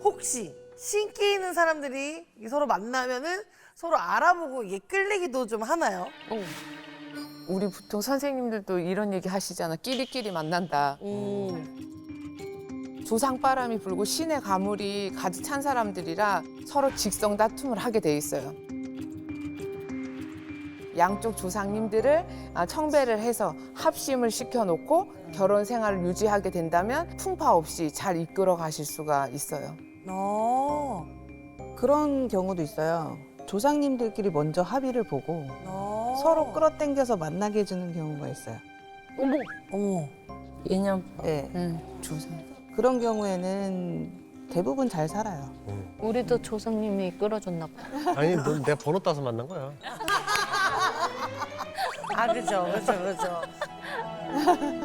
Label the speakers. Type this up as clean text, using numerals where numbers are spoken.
Speaker 1: 혹시 신기 있는 사람들이 서로 만나면은 서로 알아보고 이게 끌리기도 좀 하나요?
Speaker 2: 우리 보통 선생님들도 이런 얘기 하시잖아. 끼리끼리 만난다. 조상바람이 불고 신의 가물이 가득 찬 사람들이라 서로 직성 다툼을 하게 돼 있어요. 양쪽 조상님들을 청배를 해서 합심을 시켜놓고 결혼 생활을 유지하게 된다면 풍파 없이 잘 이끌어 가실 수가 있어요.
Speaker 1: 어.
Speaker 3: 그런 경우도 있어요. 조상님들끼리 먼저 합의를 보고
Speaker 1: 어.
Speaker 3: 서로 끌어당겨서 만나게 해주는 경우가 있어요.
Speaker 1: 어머.
Speaker 4: 인연.
Speaker 3: 네.
Speaker 2: 조상.
Speaker 3: 그런 경우에는 대부분 잘 살아요.
Speaker 4: 우리도 조상님이 끌어줬나 봐.
Speaker 5: 아니, 넌 내가 번호 따서 만난 거야.
Speaker 1: 아, 그죠.